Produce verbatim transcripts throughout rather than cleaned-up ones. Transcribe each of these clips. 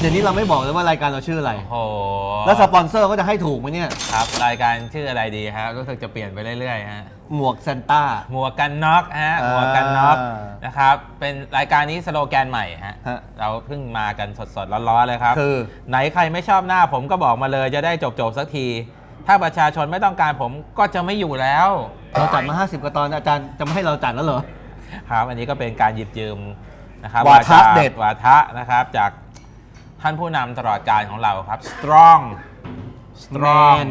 เดี๋ยวนี้เราไม่บอกเลยว่ารายการเราชื่ออะไรโอ้โหแล้วสปอนเซอร์ก็จะให้ถูกไหมเนี่ยครับรายการชื่ออะไรดีครับรู้สึกจะเปลี่ยนไปเรื่อยๆฮะหมวกซานต้าหมวกกันน็อกฮะหมวกกันน็อกนะครับเป็นรายการนี้สโลแกนใหม่ฮะเราเพิ่งมากันสดๆร้อนๆเลยครับคือไหนใครไม่ชอบหน้าผมก็บอกมาเลยจะได้จบๆสักที ถ้าประชาชนไม่ต้องการผมก็จะไม่อยู่แล้วเราจัดมาห้าสิบกว่าตอนอาจารย์จะไม่ให้เราจัดแล้วเหรอครับอันนี้ก็เป็นการหยิบยืมนะครับวาทะเด็ดวาทะนะครับจากท่านผู้นำตลอดการของเราครับ strong strong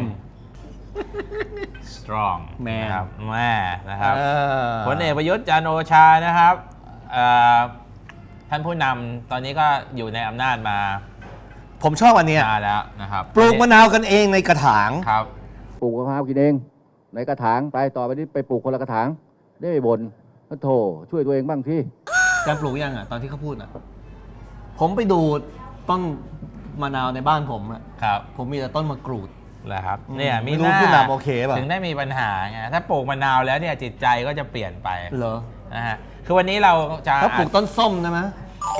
strong แมนนะครับแม่นะครับพลเอกประยุทธ์จันทร์โอชานะครับท่านผู้นำตอนนี้ก็อยู่ในอำนาจมาผมชอบอันนี้มาแล้วนะครับปลูกมะนาวกันเองในกระถางครับปลูกมะพร้าวกินเองในกระถางไปต่อไปนี้ไปปลูกคนละกระถางได้ไม่บ่นแล้วโถช่วยตัวเองบ้างที่การปลูกยังอ่ะตอนที่เขาพูดอ่ะผมไปดูต้นมะนาวในบ้านผมอ่ะครับผมมีแต่ต้นมะกรูดแหละครับเนี่ยมีรู้ผู้นำโอเคป่ะถึงได้มีปัญหาไงถ้าปลูกมะนาวแล้วเนี่ยจิตใจก็จะเปลี่ยนไปเหรอนะฮะคือวันนี้เราจะถ้าปลูกต้นส้มนะมั้ย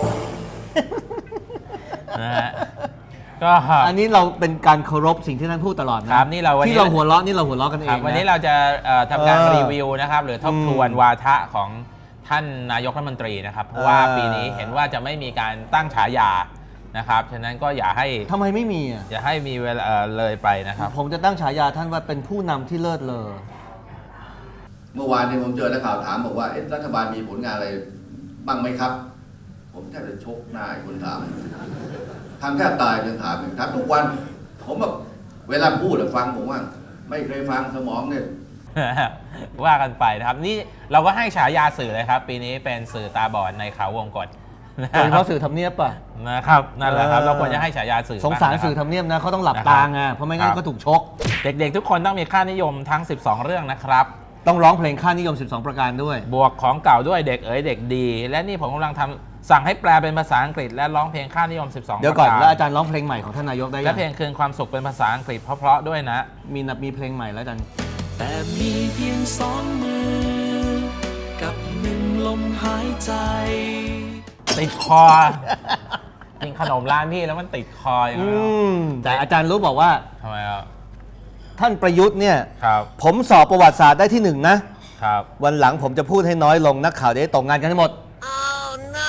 นะฮะก็อันนี้เราเป็นการเคารพสิ่งที่ท่านพูดตลอดนะครับนี่เราวันนี้ที่เราหัวเราะนี่เราหัวเราะกันเองวันนี้เราจะทำการรีวิวนะครับหรือทบทวนวาทะของท่านนายกรัฐมนตรีนะครับเพราะว่าปีนี้เห็นว่าจะไม่มีการตั้งฉายานะครับฉะนั้นก็อย่าให้ทำไมไม่มีอ่ะอย่าให้มีเวลาเลยไปนะครับผมจะตั้งฉายาท่านว่าเป็นผู้นำที่เลิศเลอเมื่อวานนี้ผมเจอนักข่าวถามบอกว่ารัฐบาลมีผลงานอะไรบ้างไหมครับผมแทบจะชกหน้าคนถามทำแทบตายยังถามถามทุกวันผมแบบเวลาพูดฟังผมว่าไม่เคยฟังสมองเนี่ยว่ากันไปนะครับนี่เราก็ให้ฉายาสื่อเลยครับปีนี้เป็นสื่อตาบอดในเขาวงกฏโดยเฉพาะสื่อทำเนียบป่ะนะครับนั่นแหละครับเราควรจะให้ฉายาสื่อสงสารสื่อทำเนียบนะเขาต้องหลับตาไงเพราะไม่งั้นก็ถูกชกเด็กๆทุกคนต้องมีค่านิยมทั้งสิบสองเรื่องนะครับต้องร้องเพลงค่านิยมสิบสองประการด้วยบวกของเก่าด้วยเด็กเอ๋ยเด็กดีและนี่ผมกำลังทำสั่งให้แปลเป็นภาษาอังกฤษและร้องเพลงค่านิยมสิบสองเดี๋ยวก่อนแล้วอาจารย์ร้องเพลงใหม่ของท่านนายกได้ยังและเพลงคืนความสุขเป็นภาษาอังกฤษเพราะๆด้วยนะมีนับมีเพลงใหม่แล้วอาจารย์แต่มีเพียงสองมือกับหนึ่งลมหายใจติดคอกินขนมร้านพี่แล้วมันติดคออย่างนี้แต่อาจารย์รู้บอกว่าทำไมครับท่านประยุทธ์เนี่ยครับผมสอบประวัติศาสตร์ได้ที่หนึ่งนะครับวันหลังผมจะพูดให้น้อยลงนักข่าวได้ตกงานกันให้หมด oh, no.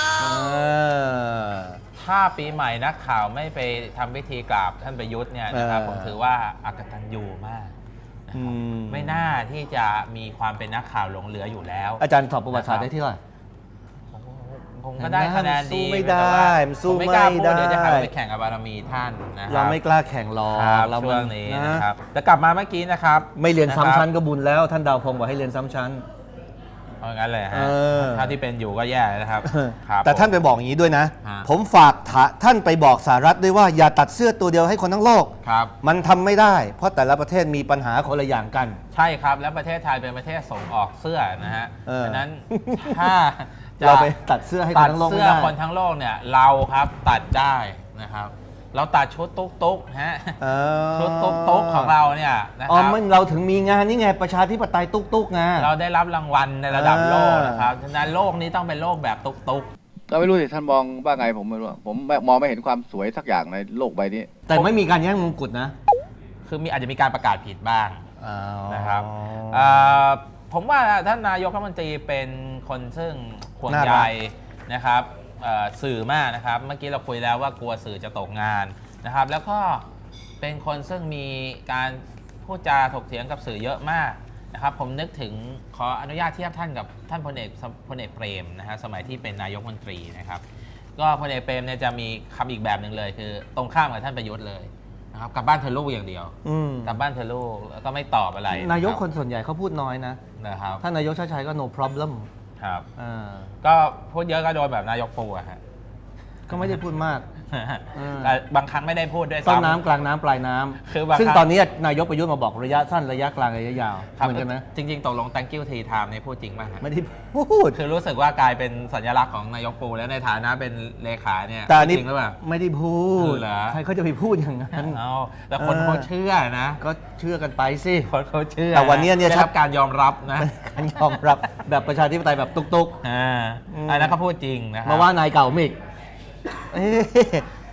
ถ้าปีใหม่นักข่าวไม่ไปทำพิธีกราบท่านประยุทธ์เนี่ยนะครับผมถือว่าอากตัญญูมากไม่น่าที่จะมีความเป็นนักข่าวหลงเหลืออยู่แล้วอาจารย์สอบประวัติศาสตร์ได้ที่เท่าไหร่ผมก็ได้คะแนนดีสู้ไม่ได้มันสู้ไม่ได้เดี๋ยวจะหาไปแข่งกับบารมีท่านนะครับเราไม่กล้าแข่งหรอกเราช่วงนี้นะครับจะกลับมาเมื่อกี้นะครับไม่เรียนซ้ำชั้นก็บุญแล้วท่านดาวพงศ์บอกให้เรียนซ้ำชั้นเอางั้นเลยฮะถ้าที่เป็นอยู่ก็แย่นะครับแต่ท่านไปบอกอย่างนี้ด้วยนะผมฝากท่านไปบอกสหรัฐด้วยว่าอย่าตัดเสื้อตัวเดียวให้คนทั้งโลกมันทำไม่ได้เพราะแต่ละประเทศมีปัญหาคนละอย่างกันใช่ครับและประเทศไทยเป็นประเทศส่งออกเสื้อนะฮะฉะนั้นถ้าเราไปตัดเสื้อให้คนทั้งโลกไม่ได้ตัดเสื้อคนทั้งโลกเนี่ยเราครับตัดได้นะครับเราตัดชุดตุ๊กตุ๊กฮะชุดตุ๊กตุ๊กของเราเนี่ยนะครับอ๋อมันเราถึงมีงานนี่ไงประชาธิปไตยตุ๊กตุ๊กไงเราได้รับรางวัลในระดับโลกนะครับฉะนั้นโลกนี้ต้องเป็นโลกแบบตุ๊กตุ๊กก็ไม่รู้สิท่านมองว่าไงผมไม่รู้ผมมองไม่เห็นความสวยสักอย่างในโลกใบนี้แต่ไม่มีการแย่งมงกุฎนะคือมีอาจจะมีการประกาศผิดบ้างนะครับผมว่าท่านนายกรัฐมนตรีเป็นคนซึ่งห่วงใยนะครับสื่อมากนะครับเมื่อกี้เราคุยแล้วว่ากลัวสื่อจะตกงานนะครับแล้วก็เป็นคนซึ่งมีการพูดจาถกเถียงกับสื่อเยอะมากนะครับผมนึกถึงขออนุญาตเทียบท่านกับท่านพลเอกพลเอกเปรมนะฮะสมัยที่เป็นนายกรัฐมนตรีนะครับก็พลเอกเปรมเนี่ยจะมีคำอีกแบบหนึ่งเลยคือตรงข้ามกับท่านประยุทธ์เลยนะครับกลับบ้านเธอลูกอย่างเดียวกลับบ้านเธอลูกแล้วก็ไม่ตอบอะไรนายกคนส่วนใหญ่เขาพูดน้อยนะนะครับท่านนายกชาติชัยก็ no problem ครับก็พูดเยอะก็โดนแบบนายกปูอะฮะก็ไม่ได้พูดมากบางครั้งไม่ได้พูดด้วยต้นน้ำกลางน้ำปลายน้ำซึ่งตอนนี้นายกประยุทธ์มาบอกระยะสั้นระยะกลางระยะยาวเหมือนกันนะจริงๆตกลง thank you tea time ในพูดจริงป่ะไม่ได้พูดคือรู้สึกว่ากลายเป็นสัญลักษณ์ของนายกปูแล้วในฐานะเป็นเลขาเนี่ยแต่จริงหรือเปล่าไม่ได้พูดใครเขาจะไปพูดอย่างนั้นเอาแต่คนเขาเชื่อนะก็เชื่อกันไปสิคนเขาเชื่อแต่วันนี้เนี่ยได้รับการยอมรับนะการยอมรับแบบประชาธิปไตยแบบตุ๊กๆอ่าอันนั้นเขาพูดจริงนะมาว่านายเก่ามิก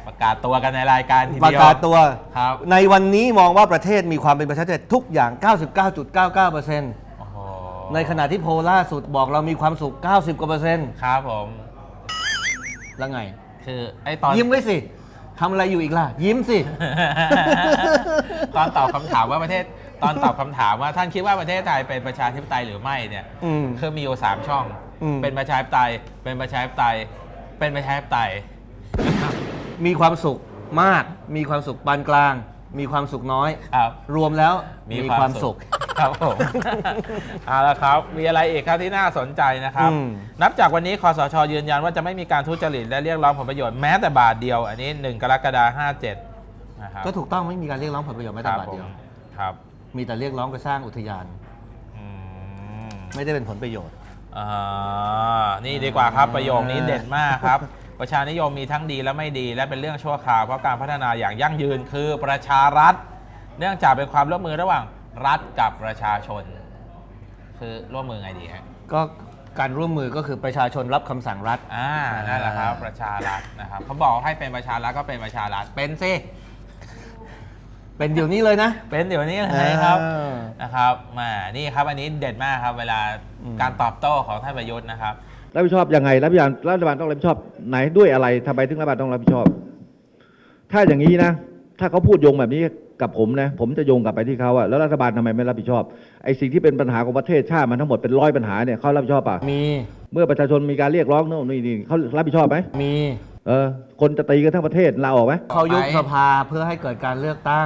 ประกาศตัวกันในรายการทีประเดียวกาศตัวครับในวันนี้มองว่าประเทศมีความเป็นประชาธิปไตยทุกอย่าง เก้าสิบเก้าจุดเก้าเก้าเปอร์เซ็นต์โอ้โหในขณะที่โพลล่าสุดบอกเรามีความสุข เก้าสิบ กว่าเปอร์เซ็นต์ครับผมแล้วไงคือไอ้ตอนยิ้มไว้สิทำอะไรอยู่อีกล่ะ ยิ้มสิตอนตอบคำถามว่าประเทศตอนตอบคำถามว่าท่านคิดว่าประเทศไทยเป็นประชาธิปไตยหรือไม่เนี่ยอืมคือมีอยู่สามช่องอืมเป็นประชาธิปไตยเป็นประชาธิปไตยเป็นประชาธิปไตยมีความสุขมาก มีความสุขปานกลาง มีความสุขน้อยครับรวมแล้วมีมีความความสุสุขขครับผม เอาละครับ มีอะไรอีกครับที่น่าสนใจนะครับอืมนับจากวันนี้คสชยืนยันว่าจะไม่มีการทุจริตและเรียกร้องผลประโยชน์แม้แต่บาทเดียว อันนี้หนึ่งกรกฎาคมห้าเจ็ดนะครับก็ถูกต้องไม่มีการเรียกร้องผลประโยชน์แม้แต่บาทเดียวครับมีแต่เรียกร้องไปสร้างอุทยานอืมไม่ได้เป็นผลประโยชน์อ่านี่ดีกว่าครับประโยคนี้เด็ดมากครับ ประชานิยมมีทั้งดีและไม่ดีและเป็นเรื่องชั่วคราวเพราะการพัฒนาอย่างยั่งยืนคือประชารัฐ เนื่องจากเป็นความร่วมมือระหว่างรัฐกับประชาชน คือร่วมมือไงดีฮะก็การร่วมมือก็คือประชาชนรับคำสั่งรัฐอ่านั่นแหละครับประชารัฐนะครับเขาบอกให้เป็นประชารัฐก็เป็นประชารัฐเป็นสิเป็นเดี๋ยวนี้เลยนะเป็นเดี๋ยวนี้เลยครับอ่านะครับมานี่ครับอันนี้เด็ดมากครับเวลาอืมการตอบโต้ของท่านประยุทธ์นะครับรับผิดชอบยังไงรับผิดชอบรัฐบาลต้องรับผิดชอบไหนด้วยอะไรทำไมถึงรัฐบาลต้องรับผิดชอบ ถ้าอย่างนี้นะ ถ้าเขาพูดโยงแบบนี้กับผมนะ ผมจะโยงกลับไปที่เขาอะแล้วรัฐบาลทำไมไม่รับผิดชอบไอ้สิ่งที่เป็นปัญหาของประเทศชาติมันทั้งหมดเป็นร้อยปัญหาเนี่ยเขารับผิดชอบป่ะมีเมื่อประชาชนมีการเรียกร้องโน่นนี่นี่เขารับผิดชอบไหมมีเออคนจะตีกันทั้งประเทศลาออกไหมเขายุบสภาเพื่อให้เกิดการเลือกตั้ง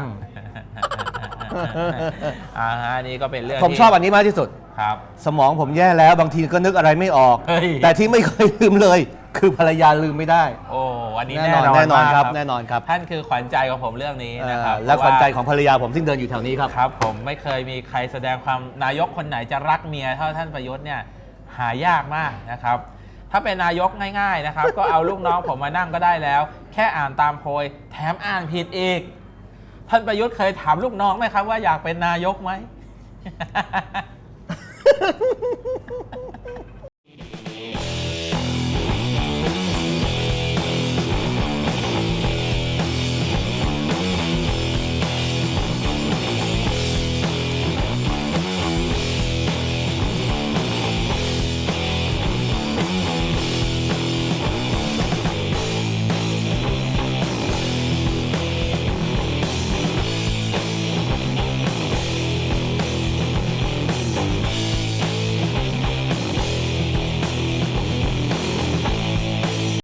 อ่าฮะอันนี่ก็เป็นเรื่องผมที่ชอบอันนี้มากที่สุดครับสมองผมแย่แล้วบางทีก็นึกอะไรไม่ออกเฮ้ยแต่ที่ไม่เคยลืมเลย คือภรรยาลืมไม่ได้โอ้อันนี้แน่แน่นอนนอนแน่นอนมากครับแน่นอนครับท่านคือขวัญใจของผมเรื่องนี้นะครับเอ่อและขวัญใจของภรรยาผมซึ่งเดินอยู่แถวนี้ครับครับ ผมไม่เคยมีใครแสดงความนายกคนไหนจะรักเมียเท่าท่านประยุทธ์เนี่ยหายากมากนะครับ ถ้าเป็นนายกง่ายๆนะครับ ก็เอาลูกน้องผมมานั่งก็ได้แล้ว แค่อ่านตามโพยแถมอ่านผิดอีก ท่านประยุทธ์เคยถามลูกน้องไหมครับว่าอยากเป็นนายกไหม